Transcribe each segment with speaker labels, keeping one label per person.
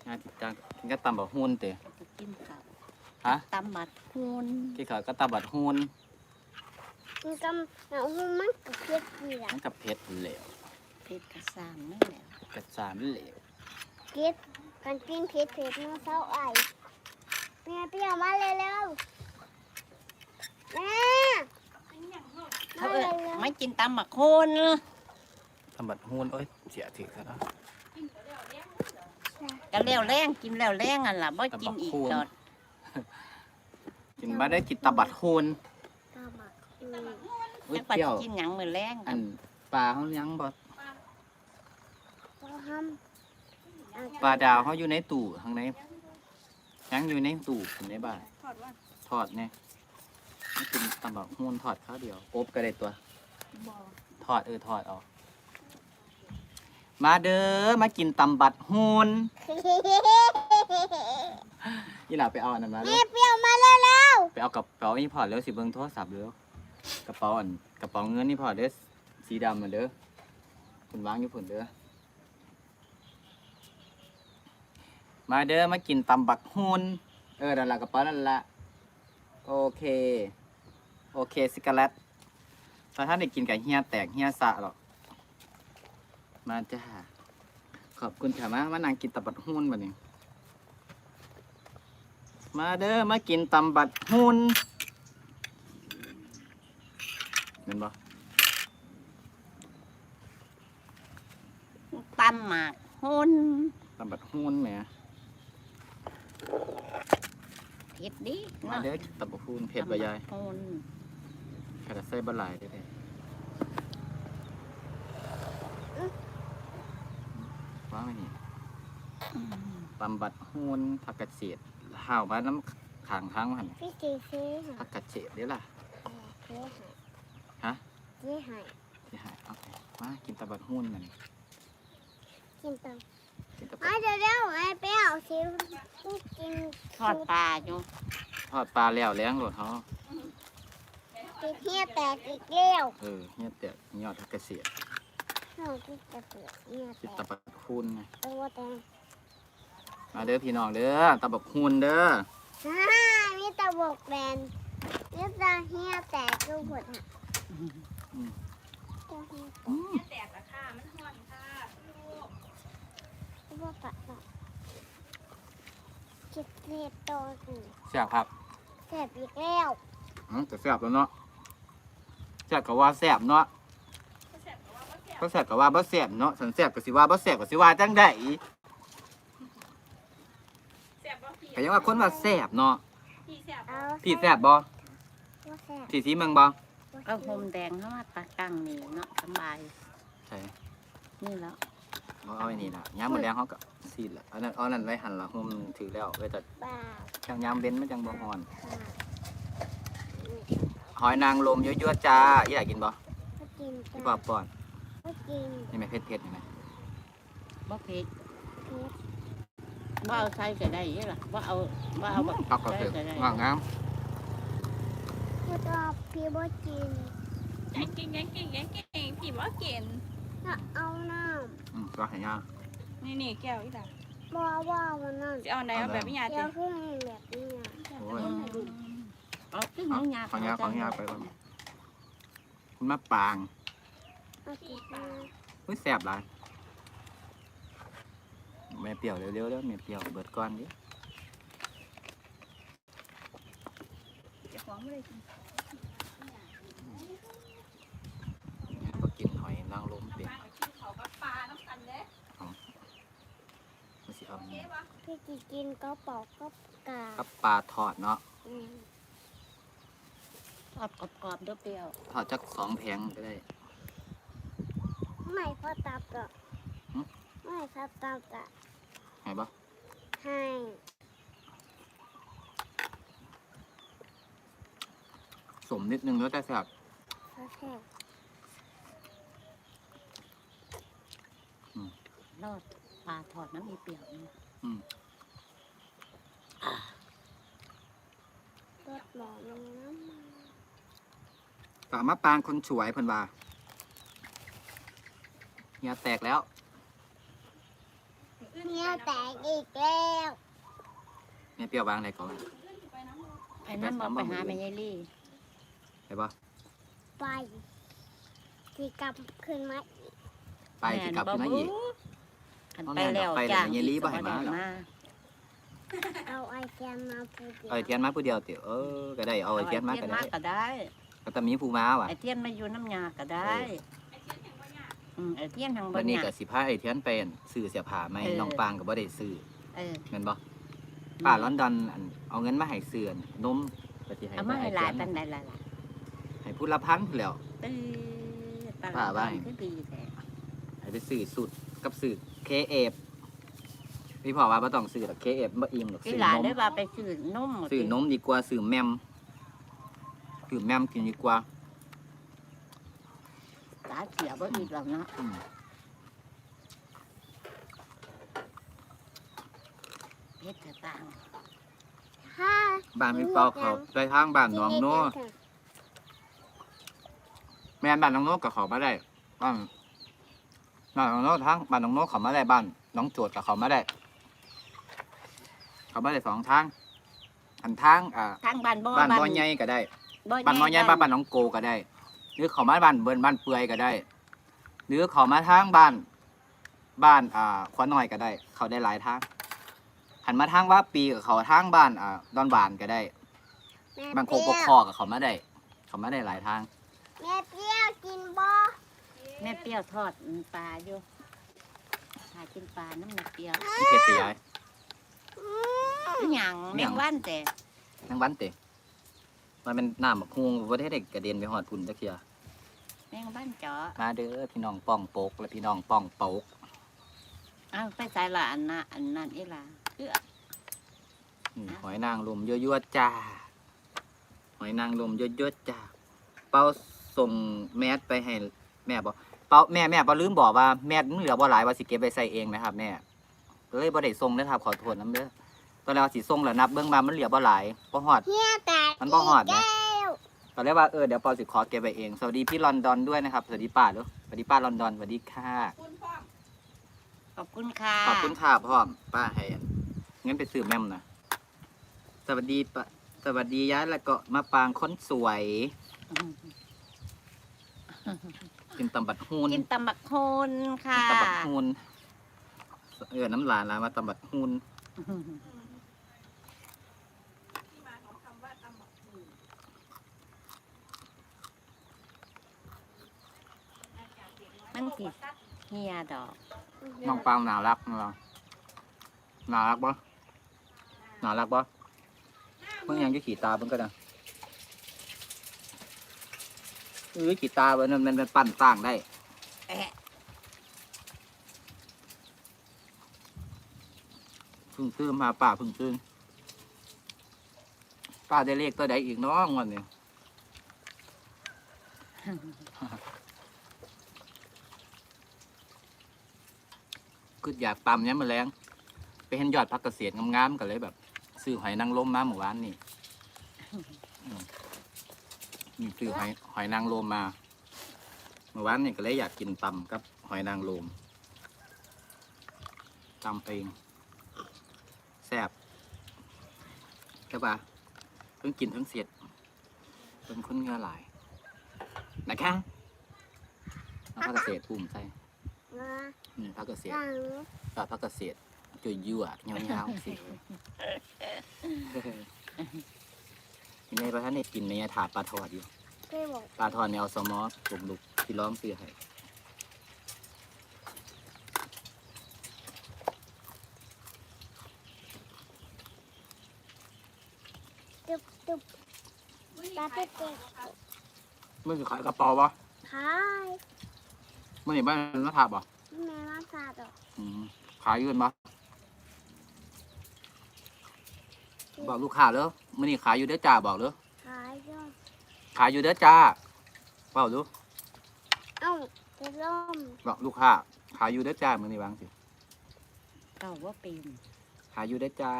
Speaker 1: งานติดจังกินก็ตำบักหุ่นเตะ
Speaker 2: กินข้าว
Speaker 1: ฮะ
Speaker 2: ตำบัดฮูน
Speaker 1: กินข้าวก็ตำบักหุ่น
Speaker 3: มันก็มันกับเผ็ดนี่แหละ
Speaker 1: มันกับเผ็ดเหลว
Speaker 2: เผ็ดกระซามนั่นแหละ
Speaker 1: กระสานเหลว
Speaker 3: เผ็ดกันกินเผ็ดมาเศร้าไอแม่เปรี้ยวมาเร็วๆแม่
Speaker 2: เขาไม่กินตำบักโคน
Speaker 1: ตำบักหุ่นเอ้ยเสียถือซะแล้ว
Speaker 2: ก็แล้วแรงกินแล้วแรงอ่ะล่ะบ่กินอีกตอด
Speaker 1: กินมาได้กินตำบักหุ่น
Speaker 3: ตาหมัก
Speaker 1: อุ้ย
Speaker 2: จักปัด
Speaker 1: เปรี้ยว
Speaker 2: กินหยังมื้อแรง
Speaker 1: อันปลาเขายังบ่
Speaker 3: เราทำ
Speaker 1: ปลาดาวเขาอยู่ในตู้ข้างในยังอยู่ในตู้ในบ้านทอดเนี่ยไม่กินตำบักหุ่นทอดข้าวเดียวอบก็ได้ตัวทอดทอดออกมาเด้อมากินตำบักหุ่นยี่หล่าไปเอาอันนั้นมาเล
Speaker 3: แม่
Speaker 1: ย
Speaker 3: เปรี้ยวมาเร็ว
Speaker 1: ไปเอากระเป๋านี่พอแล้วสิเบิ่งโทรศัพท์เด้อกระเป๋าอันกระเป๋าเงินนี่พอเด้อสีดำมาเด้อคุณวางอยู่ผุนเด้อมาเด้อมากินตำบักหุ่นนั่นละกระเป๋านั่นละโอเคสิกาเลตถ้าท่านได้กินกับเฮียแตกเฮียสะหรอกมาจ้าขอบคุณค่ะมานั่งกินตำบักหุ่นบัดนี้มาเด้อมากินตำบักหุ่นเห็นบ่
Speaker 2: ตำหมากฮูน
Speaker 1: ตำบักหุ่นแหม
Speaker 2: เผ็ดดิ
Speaker 1: มาเด้อกินตำบักหุ่นเผ็ดบ่ยาย
Speaker 2: ฮูน
Speaker 1: กระใส่บะหลายได้เลยว้าวไอ้นี่ตำบัดหุ่นผักกระเฉดห่าวมาน้ำขางทางมัน
Speaker 3: ๆพี่จีซื้อ
Speaker 1: ผักกระเฉดเด้อล่ะ
Speaker 3: เจ๊หาย
Speaker 1: ฮะ
Speaker 3: เจ๊หาย
Speaker 1: ที่หายเอาไปมากินตำบัดหุ่นมัน
Speaker 3: กินตัง
Speaker 1: กินตำบั
Speaker 3: มา
Speaker 1: ด
Speaker 3: เร็วๆไอ้เปรี้ยวสิกิน
Speaker 2: ทอดปลาอยู่
Speaker 1: ทอดปลาแล้วแล้งโหลดเขา
Speaker 3: กินเหี้ยแตกอีกแล้ว
Speaker 1: เนี่ยแต่ยอดผักกระเฉด
Speaker 3: เรากินแต่เปลือกเหี้ยแต
Speaker 1: กิน
Speaker 3: ก
Speaker 1: ตำบัดหุ่นไง
Speaker 3: ตัวแตก
Speaker 1: มาเด้อพี่น้องเด้อตำบัดหุ่นเด้อ
Speaker 3: มีแต่บกแบนมีแต่เหี้ยแตกดูหมดอ่ะตัวเหี้ยแตกว่าปะเนาะคิดเล็บโตสิ
Speaker 1: แซ่บครับ
Speaker 3: แสบอีกแล้ว
Speaker 1: แต่แซ่บแล้วเนาะแซ่บก็ว่าแซ่บเนาะก็แซ่บก็ว่าบ่แซ่บเนาะสันแซ่บก็สิว่าบ่แซ่บก็สิว่าจังได๋ก็ยังว่าคนว่าแซ่บเนาะ
Speaker 3: เอา
Speaker 1: พี่แซ่บบ่
Speaker 3: ว่าแสบ
Speaker 1: พี่สีเมืองบ่
Speaker 2: เอาโฮมแดงเข้ามาตากังนี่เนาะสบาย
Speaker 1: ใช่
Speaker 2: นี่แล้ว
Speaker 1: เอาไว้นี่ล่ะยามมื้อแลงเฮาก็ซีดละอันนั้นไว้หั่นละห่มถือแล้วไว้แต่
Speaker 3: บ้า
Speaker 1: จังยามเว้นมันจังบ่ฮ้อน
Speaker 3: บ้า
Speaker 1: หอยนางรมยั่วๆจ้าอีหลากินบ่
Speaker 3: ก็กิน
Speaker 1: พี่
Speaker 3: จ้ะ
Speaker 1: ปอบป้อน
Speaker 3: ก็กิน
Speaker 1: นี่แม่เผ็ดๆนี่แม่
Speaker 2: บ่เผ็ด
Speaker 3: เผ็ด
Speaker 2: บ่เอาใส่ก็ได้ยี่ล่ะบ่เอาแบบ
Speaker 1: ปักก็คือ
Speaker 2: ใส่ก็ได้
Speaker 1: งามงาม
Speaker 3: ก็ชอบพี่บ่กิน
Speaker 4: ยังเก่งพี่ว่าเก่ง
Speaker 3: ถ้าเอาน้
Speaker 1: ก็ให้ยา
Speaker 4: นี่แก้วอีหล่ะ
Speaker 3: ำบ่ว่าวันนั้น
Speaker 4: จะเอาไหนเอาแบบพี่ยา
Speaker 3: เดี๋
Speaker 4: ติ
Speaker 3: ยวเพิ่งแบบนี้นะ
Speaker 1: โอ้ย
Speaker 2: เอาขึ้น
Speaker 1: เอา
Speaker 2: ยา
Speaker 1: ของยาไปก่อนคุณมาปาง
Speaker 3: เอากินมา
Speaker 1: อุ้ยแซ่บหลายแม่เปรี้ยวเร็วๆเด้อแม่เปรี้ยวเบิดก่อนดิ
Speaker 4: จะฟ้องไม่ได้กิน
Speaker 1: ก็กินหอยนางรมเป็น
Speaker 4: เขากับปลาน้ำกันเด้
Speaker 1: มันสิเอา
Speaker 3: พี่จีกินก็ปอกก็กา
Speaker 1: กับปลาทอดเนาะ
Speaker 3: อืม
Speaker 2: ทอดกรอบๆเด้อเปรี้ยว
Speaker 1: ทอดจัก2 แผงก็ได้
Speaker 3: ไม่พอตับก็
Speaker 1: หึ
Speaker 3: ไม่พอตับก็
Speaker 1: ให้บ่
Speaker 3: ให้
Speaker 1: สมนิดนึงแล้วแต่แซ่บ
Speaker 3: พอแค่
Speaker 2: รอดปลาทอดน้ำมีเปรี้ยวนี่
Speaker 3: รสหมอลงน้ำมัน
Speaker 1: สามารถปางคนสวยเพิ่นว่าเฮียแตกแล้ว
Speaker 4: อื่น
Speaker 3: เนี่ยแตกอีกแล้ว
Speaker 1: แม่เปรี้ยววางอะไรก่อน
Speaker 2: ไอ้น้ำบอกไปหาแม่ยายลี่
Speaker 1: ไปบ่
Speaker 3: ไปที่กลับขึ้นมาอีก
Speaker 1: ไปสิกลับขึ้นมาอีก
Speaker 2: อันไปแล้วจ้าง
Speaker 1: ไปแล้วแม่ยายลี่บ่ให้มาหรอ
Speaker 3: เอาไอเทียนมาพูดเดียว
Speaker 1: เอาไอเทียนมาผู้เดียวเตี๋ยวก็ได้เอาไอเทียนมาก็ได้
Speaker 2: ก็ได้
Speaker 1: ก็ต้องมีผู้มาว่ะ
Speaker 2: ไอเทียนมาอยู่น้ำยาก็ได้ไอเทียนทางบ
Speaker 1: วัน
Speaker 2: น
Speaker 1: นี้
Speaker 2: ยา
Speaker 1: ก็สิพาไอเทียนไปซื้อเสื้อผ้าใหม่น้องปางก็บ่ได้ซื้อ
Speaker 2: เออ
Speaker 1: แม่นบ่ป้าลอนดอนเอาเงินมาให้ซื้อนมก็สิให้
Speaker 2: เอามาให้หลาย
Speaker 1: เที
Speaker 2: ปั
Speaker 1: ย
Speaker 2: น
Speaker 1: น
Speaker 2: ใดหลาย
Speaker 1: ให้ผู้ละพันแล้ว
Speaker 2: ตื้อตลา
Speaker 1: ป้า
Speaker 2: ด
Speaker 1: ว่า
Speaker 2: คือดีแท้
Speaker 1: ให้ไปซื้อสูตรกับซื้อเคเอฟพี่พ่อว่าบ่ต้องซื้อหรอกเคเอฟบ่อิ่มหรอก
Speaker 2: ที่
Speaker 1: ซื้อ
Speaker 2: หลาน
Speaker 1: นม
Speaker 2: ได้ว่าไปซื้อนม
Speaker 1: ซื้อนมดีกว่าซื้อแมมซื้อแมมกินดีกว่า
Speaker 2: ตาเสียบ่อีกแล้วเนาะ
Speaker 1: อืม
Speaker 2: เพชรต่าง
Speaker 3: ถ้า
Speaker 1: บ้านพี่เปาเขาไปทางบ้านหนองโนแม่นบ้านหนองโนก็เขามาได้บ้านหนองโนทางบ้านหนองโนเขามาได้บ้านน้องโจดกับเขามาได้เขามาได้สองทางอันทาง
Speaker 2: ทางบ้านบ่
Speaker 1: บ้านบ่อใหญ่ก็ได้บ้านบ่อใหญ่บ้านน้องโกก็ได้ หรือเขามาบ้านเบิ่นบ้านเปื่อยก็ได้ หรือเขามาทางบ้านขวาน้อยก็ได้ เขาได้หลายทางหันมาทางว่าปีกับเขาทางบ้านดอนบานก็ได้
Speaker 3: แม่
Speaker 1: บางโค
Speaker 3: เปรี้
Speaker 1: ก
Speaker 3: ยว
Speaker 1: คอกับเขามาได้ เขามาได้หลายทาง
Speaker 3: แม่เปรี้ยวกินบ่
Speaker 2: แม่เปรี้ยวทอดปลาอยู่หากินปลาน้ำหนักเปรี้ยว
Speaker 1: มีเพชรตีย้าย
Speaker 2: อีหยังแมงวันแต่
Speaker 1: ทั้งวันเตะมันเป็นน้ำบักฮวงประเทศเด็กกระเด็นไปหอดพุ่นตะเคีย
Speaker 2: แมงวันเจาะ
Speaker 1: มาเด้อพี่น้องป้องโปกและพี่น้องป้องโปก
Speaker 2: อ้าวไปใส่ละอันนั้นอีหล่ะคือ
Speaker 1: หอยนางรมยั่วๆจ้า หอยนางรมยั่วๆจ้า เป้าส่งแมสไปให้แม่บอกเป้าแม่เป้าลืมบอกว่าแมสมันเหลือบ่หลายว่าสิเก็บไปใส่เองนะครับแม่ก็เลยบ่ได้ส่งนะครับขอโทษน้ำเด้อตอนแรกว่าสิส่งแล้วนับเบื้องมามันเหลือบ่หลายบ่ฮอด
Speaker 3: เนี่ยแตก
Speaker 1: มันบ่ฮอดนะ
Speaker 3: กแล้ว
Speaker 1: ตอนแรกว่าเดี๋ยวปอสิขอเก็บไปเอง สวัสดีพี่ลอนดอนด้วยนะครับ สวัสดีป้าด้วยสวัสดีป้าลอนดอน สวัสดีค่ะ
Speaker 4: คุณพ่อ
Speaker 2: ขอบคุณค่ะ
Speaker 1: ขอบคุณค่ะพ่อมป้าให้งั้นไปซื้อแม่มนะสวัสดีป้าสวัสดีย้ายแล้วก็มาปางคนสวย กินตำบัดฮูน
Speaker 2: กินตำบักโคน
Speaker 1: กิ
Speaker 2: ค่ะ
Speaker 1: นตำบัดฮูนน้ำลายแล้วมาตำบัดฮูน
Speaker 4: ที่มาของคำว่าตำบักหุ่ง
Speaker 2: มันติดเฮียดอก
Speaker 1: น้องปางน่ารักนะน่ารักปะน่ารักปะเมื่อยังจะขี่ตาเพิ่งก็ได้ขี่ตามันปั่นต่างได้
Speaker 2: แอะ
Speaker 1: พึ่งซื้อมาป่าพึ่งซื้อป้าได้เลขตัวใดอีกน้องวันนี้ คืออยากตำเนี้ยมาแรงไปเห็นยอดพักเกษตรงามๆกันเลยแบบซื้อหอยนางรมมาหมู่บ้านนี่นี่ซื้อหอยนางรมมาหมู่บ้านนี่ก็เลยอยากกินตำกับหอยนางรมตำเองแซ่บใช่ปะเพิ่งกินทั้งเสียดเป็นคนเหงือหลายนะคะเอาพักเกษตรภูมิใส่
Speaker 3: มา
Speaker 1: พักเกษตร
Speaker 3: หลัง
Speaker 1: ปลาพักเกษตรจุยยั่วเงาๆสิยังไงพระท่านได้กินไหมถาปลาทอดอยู่
Speaker 3: เพื่อบอก
Speaker 1: ปลาทอดเนี่ยเอาสมอสลุกที่ร้องซื้อให้
Speaker 3: จุบจุบตาเป๊ก
Speaker 1: เมื่อจะขายกระเป๋าปะ
Speaker 3: ขาย
Speaker 1: เมื่อไหร่บ้านนักถาปะ
Speaker 3: แม่มาสาดอก
Speaker 1: ขายอยืนปะบอกลูกค้าเลยมื่อนี้ขายอยู่เด้อจ้าบอกเลย
Speaker 3: ขายยอด
Speaker 1: ขายอยู่เด้อจ้าเปล่าดู
Speaker 3: เอ้าจะล่ม
Speaker 1: บอกลูกค้าขายอยู่เด้อจ้ามื่อนี้วางสิ
Speaker 2: เก่าว่าเป็น
Speaker 1: ขายอยู่เด้อจ้า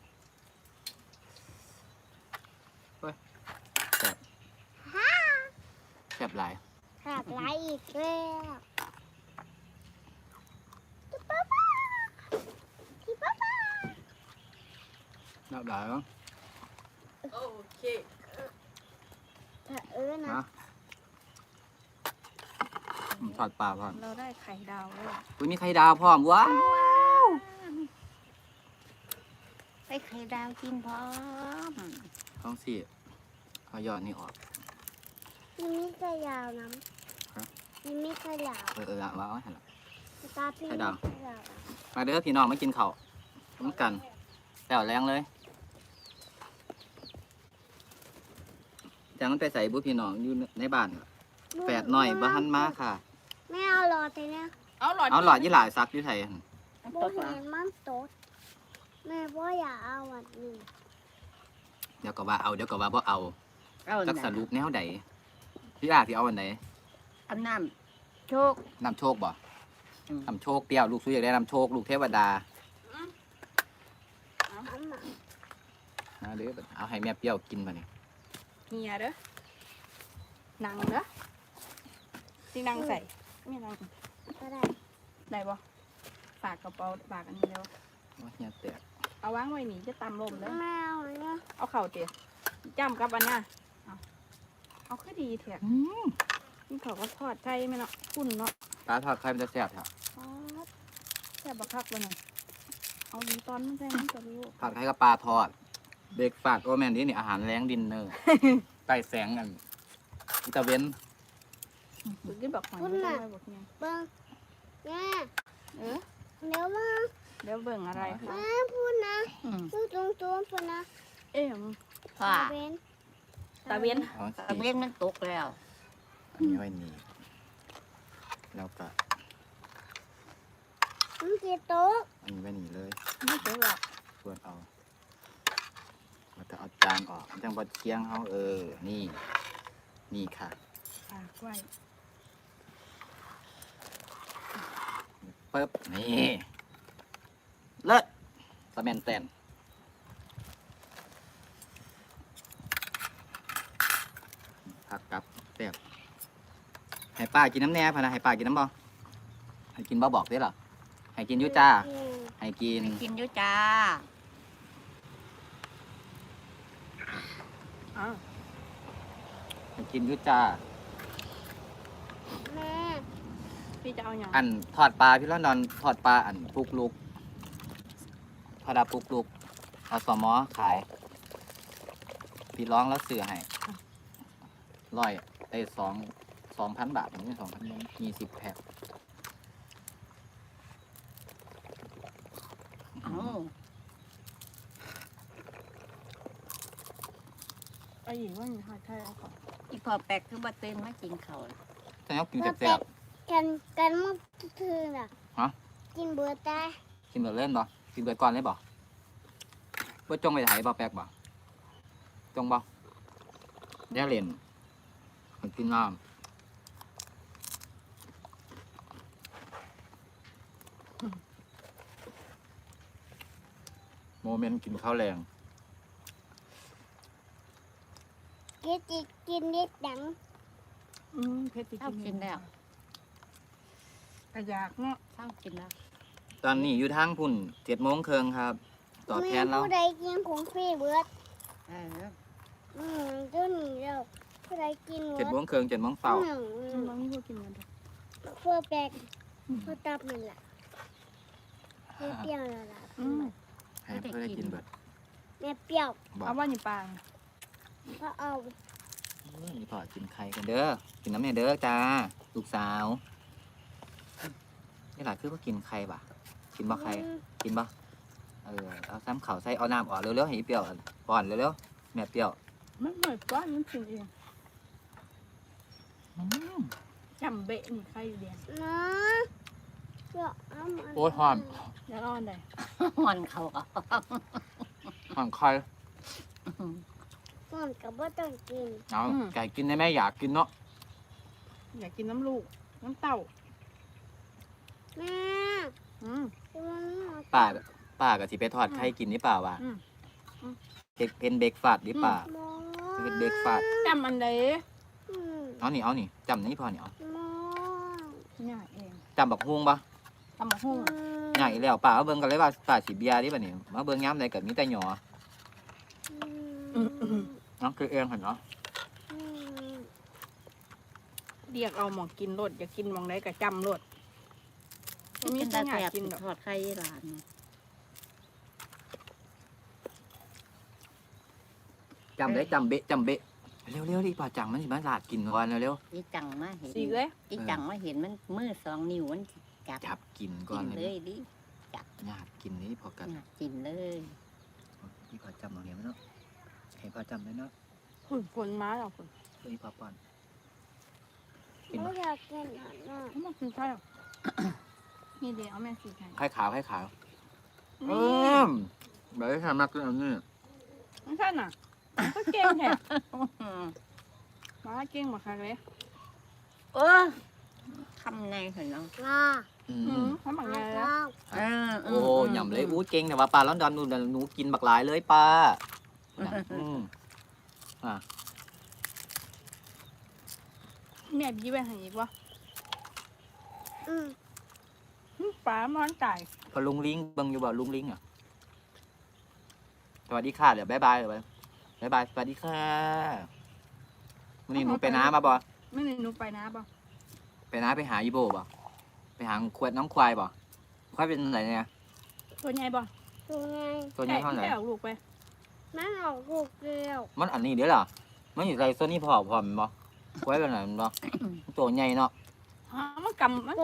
Speaker 1: เฮ้ยแซ่บแซ่บหลาย
Speaker 3: ขาดไหลอีกแล้ว
Speaker 1: นับได้เนาะ
Speaker 4: โอเค
Speaker 3: ถ้านะ
Speaker 1: นะทอดปลาพร้อม
Speaker 4: เราได้ไข่ดาวแล้ว
Speaker 1: อุ้ยมีไข่ดาวพร้อมว้าว
Speaker 2: ไปไข่ดาวกินพร้อม
Speaker 1: ต้องสิเอายอดนี่ออก
Speaker 3: มีไข่ยาวน้
Speaker 1: ฮะ
Speaker 3: ำมีไข่ยาว
Speaker 1: ละว้าวเห็นละ
Speaker 3: ตาพี่
Speaker 1: ไข่ดาว
Speaker 3: ไข่ยาว
Speaker 1: มาเด้อพี่น้องมากินข้าวน้ำกันแต่วแรงเลยจังมันไปใส่บุพี่น้องอยู่ในบ้านเหรอแปดหน่อยบ้านมาค่ะ
Speaker 3: ไม่เอาหลอดเลยนะ
Speaker 4: เอาหลอด
Speaker 1: เอาหลอดยี่หลายซักอยู่ไทยหั่น
Speaker 3: โบเห็นมันโตดแม่พ่ออยากเอาอันนี้
Speaker 1: เดี๋ยวก็ว่าเอาเดี๋ยวก็ว่าบ่เอา
Speaker 2: เอา
Speaker 1: จักสรุปแนวใดพี่ที่เอาอันไหน
Speaker 2: เอาน้ำโชค
Speaker 1: นำโชคบ่นำโชคเปรี้ยวลูกซุยอยากได้นำโชคลูกเทวดา
Speaker 3: เอามา
Speaker 1: นะเด้อเอาให้แม่เปรี้ยวกินมาเนี่ย
Speaker 4: เฮียเด้อหนังเด้อจริงหนังใส่ไม่หนัง
Speaker 3: ก็ได้
Speaker 4: ได้บ่ฝากกระเป๋าฝากอันนี้เร็ว
Speaker 1: ว่าเฮียแตก
Speaker 4: เอาวางไว้นี่จะตำลมเด้อ
Speaker 3: ไม่เอาเลยนะ
Speaker 4: เอาเข่าเตี๋ยจ้ำกับอันน่ะเอาคือดีเถอะนี่เขาก็ทอดไก่ไหมเนาะคุณเนาะ
Speaker 1: ปลาทอดไข่มันจะแซ่บครับ
Speaker 4: อ๋อแซ่บบักคักเลยเนี่ยเอาดีตอนมันแซ่บมันจะรู้
Speaker 1: ทอดไข่กับปลาทอดเบรกฟาสต์โอแมนนี่อาหารแรงดินเนอร์ ใต้แสงกันอิตาเวน
Speaker 4: คือกินบักหอยไม่ได้บักเนี่ย
Speaker 3: เบิ้งแม่
Speaker 4: เออ
Speaker 3: เดี๋ยวมา
Speaker 4: เดี๋ยวเบิ่งอะไรคะ
Speaker 3: แม่พูดนะ
Speaker 2: อืม
Speaker 3: พูดตรงๆพูดนะ
Speaker 4: เอ๊ะ
Speaker 2: ว่า
Speaker 3: เบน
Speaker 4: ตาเวียน
Speaker 1: เอา
Speaker 2: ตะ
Speaker 1: สิ
Speaker 2: เวนมันตกแล้ว
Speaker 1: อันนี้ไว้นี่แล้วก็
Speaker 3: มันกี่โต๊ะ
Speaker 1: อันนี้ไว้นี่เลย
Speaker 4: ไม่เจอหรอก
Speaker 1: ส่วนเอาแล้วก็เอาจานออกจังบดเคียงเขานี่ นี่ค่ะ
Speaker 4: ฝากไว้
Speaker 1: ปึ๊บนี่เลิศสแมนแตนผักกับแซ่บให้ป้ากินน้ำแหน่พะนะให้ป้ากินน้ำบ่ให้กินบ่บอกได้หรอให้กินอยุจ้าให้กิน
Speaker 2: ไปกินอยู่จ้า
Speaker 4: อ้าว
Speaker 1: ให้กินอยุจ้า
Speaker 3: แม่
Speaker 4: พี่จะเอาอย่าง
Speaker 1: อันทอดปลาพี่ร้อนนอนทอดปลาอันปลุกลุกทอดปลาปลุกลุกเอาสมอขาย พี่ร้องแล้วเสือให้ร้อยได้2,000 บาทนี่2,000มี10 แพ็ค
Speaker 2: เอา
Speaker 4: ไอ้หญิงว่ามีทอดไข่เอาก่อน
Speaker 2: อีพอแปลกคือบัตื่นมากินข้าวเลย
Speaker 1: ถ้าอยากกินแซ่บ
Speaker 3: กันมันคือน่ะ
Speaker 1: ฮะ
Speaker 3: กินเบื่อแต่
Speaker 1: ๆกินเบิดเล่นบ่กินเบิดก่อนเลยบ่บ่จงไปไถบ่แป๊กบ่จงบ่แย่เล่นมันกินน้ำโมเมนต์กินข้าวแรง
Speaker 3: กินนิดดัง
Speaker 4: เพชร
Speaker 2: เช้ากินแล้ว
Speaker 4: กระยากเนาะ
Speaker 2: เช้ากินแล้ว
Speaker 1: ตอนนี้อยู่ทางพุ่น7:30ครับตอบแทนแล้ว
Speaker 3: ผู้ใดกินของฟรีเบิด
Speaker 2: เออ
Speaker 3: เจ้าหนีแล้วผู้ใดกินเบิด
Speaker 1: 7:30 7:00เฝ้า
Speaker 4: มันไม่พอกินกันเลย
Speaker 3: เพื่อแปลกเพื่อตับมันล่ะแม่เปรี้ยวแล้วล่ะ
Speaker 1: ให้เพื่อได้กินเบิด
Speaker 3: แม่เปรี้ยว
Speaker 1: บอก
Speaker 4: เอาว่านี่ปาง
Speaker 3: เพราะเอา
Speaker 1: นี่พอกินไข่กันเด้อกินน้ำเนี่ยเด้อจ้าลูกสาวนี่หล่ะคือว่ากินไข่ป่ะกินบ่ไข่กินบ่เอาซ้ำเข่าใส่เอาน้ำออกเร็วๆให้อีเปรี้ยวป้อนเร็วๆแม่เปรี้ยว
Speaker 4: มันเหมือนก้อนมันกินเอง
Speaker 1: อืม
Speaker 4: จำเบะนี่ไข่เดียน
Speaker 3: นะเปรี้ยวเอามา
Speaker 1: โอ้ยหอม
Speaker 4: แล้วอ่อนได้
Speaker 2: ห่อนเขาก็
Speaker 1: หอมไข่
Speaker 3: มันกับว่าต้องกิน
Speaker 1: เอาไก่กินได้ไหมอยากกินเนาะ
Speaker 4: อยากกินน้ำลูกน้ำเต้า
Speaker 3: แม่
Speaker 4: อืม
Speaker 1: ป้าก็สิไปทอดไข่กินนี่เปล่าวะ
Speaker 4: อืม
Speaker 1: เป็นเบรกฟาสต์ดิป้า
Speaker 3: หมอ
Speaker 1: เป็นเบรกฟาสต์
Speaker 4: จำอันใด
Speaker 3: อืม
Speaker 1: เอานี่จำนี่พอนี่เอา
Speaker 3: หมอ
Speaker 4: เนี่ยเอง
Speaker 1: จำบักฮุ้งปะ
Speaker 4: ตำบักหุ่ง
Speaker 1: ใหญ่แล้วป้าเอาเบิ่งกันเลยว่าป้าสิเบียร์ดิบัดนี้มาเบิ่งย้ำใดก็มีแต่หยอน้องคือเองเห็นเนาะ
Speaker 4: เรียกเอาหมองกินรสอย่ากินหมองไหนก็จำรส
Speaker 2: กิ
Speaker 4: มี
Speaker 2: น
Speaker 4: แต่
Speaker 2: ตา
Speaker 4: อยาก
Speaker 2: แสบ
Speaker 4: กินดอก
Speaker 2: ทอดไข่หลาน
Speaker 1: จำได้จำเบะจำเบะเร็วๆดิป่าจังมันสิมาลาดกินก่อนเร็ว
Speaker 2: อีจังมาเห็น
Speaker 4: สีเลย
Speaker 2: อีจังมาเห็นมันมือ2 นิ้วมันจับ
Speaker 1: ๆจับกินก่อ
Speaker 2: กิ
Speaker 1: น
Speaker 2: น
Speaker 1: เล
Speaker 2: เลย ยดิ
Speaker 1: ญาติกินนี่พอกัน
Speaker 2: อยากกินเลย
Speaker 1: พี่ป่าจำเอาเห็นไหมเนาะเห็นป่าจำได้เนาะ
Speaker 4: ฝุ่นฝนมาแล้วฝุ่น
Speaker 1: เฮ้ยป่าป้อน
Speaker 3: ไม่อยากกินอาหารน่ะ
Speaker 4: เอามากินใช่หรอ นี่เดี๋ยวเอาแม่สีไข่
Speaker 1: ไข่ขาวไข่ขาว
Speaker 4: นี่
Speaker 1: แบบที่ทำมากเลยอันนี้
Speaker 4: ไม่ใช่น่ะก็เก่งแท้มาเก่งหมดค่ะเลย
Speaker 2: เออคำในเห็นเนาะ
Speaker 3: ว้า
Speaker 4: เขาหมักไง
Speaker 3: ว้า
Speaker 4: แล้ว
Speaker 1: โอ้ยำเลยอู้เก่งแต่ว่าปลาล้อนดอนหนูกินบักหลายเลยป้าอืม
Speaker 4: แม่บีไปให้อีกวะ
Speaker 3: อืม
Speaker 4: ปลามันตาย
Speaker 1: พอลุงลิงเบิ่งอยู่บ่ลุงลิงอ่ะสวัสดีค่ะเดี๋ยวบ๊ายบายเลยบ๊ายบายสวัสดีค่ะวันนี้หนูไปน้ามาบ่
Speaker 4: ไม่ได้หนูไปนะบ่
Speaker 1: ไปน้าไปหาอีโบบ่ไปหาขวดน้องควายบ่ควายเป็นไหนเนี่ย
Speaker 4: ตัวใหญ่บ่
Speaker 3: ตัวไง
Speaker 1: ตัวนี้เท่าไหร่
Speaker 4: แค่ออกลูกไป
Speaker 3: มันออกลูกเดียว
Speaker 1: มันอันนี้เดี๋ยวเหรอมันอยู่ในโซนนี้พอมันบ่ควายเป็นไหนมันบ่ตัวใหญ่เนาะ
Speaker 4: มันกำมัน